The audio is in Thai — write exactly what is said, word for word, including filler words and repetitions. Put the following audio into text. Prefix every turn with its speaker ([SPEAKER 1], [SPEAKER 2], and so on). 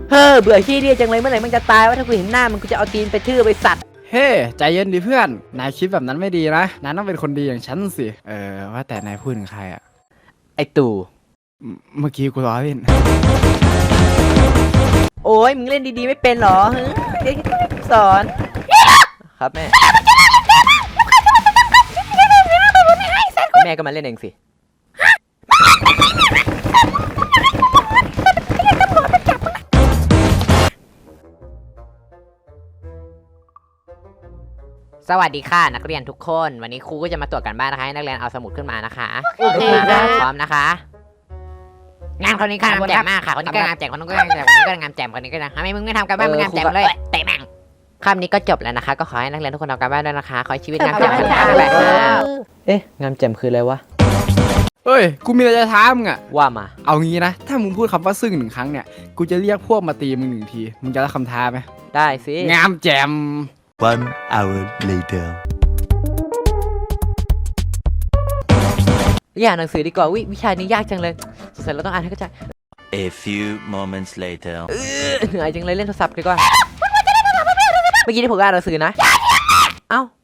[SPEAKER 1] เฮ้อเบื่อขี้เดียจังเลยเมื่อไหร่มันจะตายว่าถ้ากูเห็นหน้ามันกูจะเอาตีนไปทื่อไปสัตว์
[SPEAKER 2] เฮ้ ใจเย็นดิเพื่อนนายคิดแบบนั้นไม่ดีนะนายต้องเป็นคนดีอย่างฉันสิเออว่าแต่นายพูดถึงใครอะ
[SPEAKER 1] ไอตู่
[SPEAKER 2] เมื่อกี้กูล้อเล่น
[SPEAKER 1] โอ้ยมึงเล่นดีๆไม่เป็นหรอเดี๋ยวสอนครับแม่แม่ก็มาเล่นเองสิสวัสดีค่ะนักเรียนทุกคนวันนี้ครูก็จะมาตรวจกันบ้านนะคะให้นักเรียนเอาสมุดขึ้นมานะคะโอเคครับพร้อมนะคะงานคนนี้ค่ะงามแจ่มมากค่ะคนนี้ก็งามแจ่มคนนี้ก็งามแจ่มคนนี้ก็งามแจ่มคนนี้ก็นะทำไมมึงไม่ทำกันบ้านมึงงามแจ่มเลยเตะแม่งคำนี้ก็จบแล้วนะคะก็ขอให้นักเรียนทุกคนทำกันบ้านด้วยนะคะขอให้ชีวิตงามแจ่มไปค่ะเอ๊ะงามแจ่มคืออะไรวะ
[SPEAKER 2] เฮ้ยกูมีอะไรจะถามมึงอะ
[SPEAKER 1] ว่ามา
[SPEAKER 2] เอางี้นะถ้ามึงพูดคำว่าซึ่งหนึ่งครั้งเนี่ยกูจะเรียกพวกมาตีมึงหนึ่งทีมึงจะรับคำท้าไหม
[SPEAKER 1] ได้สิ
[SPEAKER 2] งามแจ่ม
[SPEAKER 3] One hour later
[SPEAKER 1] อย่าหนังสือดีกว่าวิวิชานี้ยากจังเลยสงสัยเราต้องอ่านให้เข้าใจ
[SPEAKER 3] A few moments later
[SPEAKER 1] เหนื่อยจังเลยเล่นโทรศัพท์ดีกว่าเมื่อกี้ที่ผมอ่านหนังสือนะเอ้า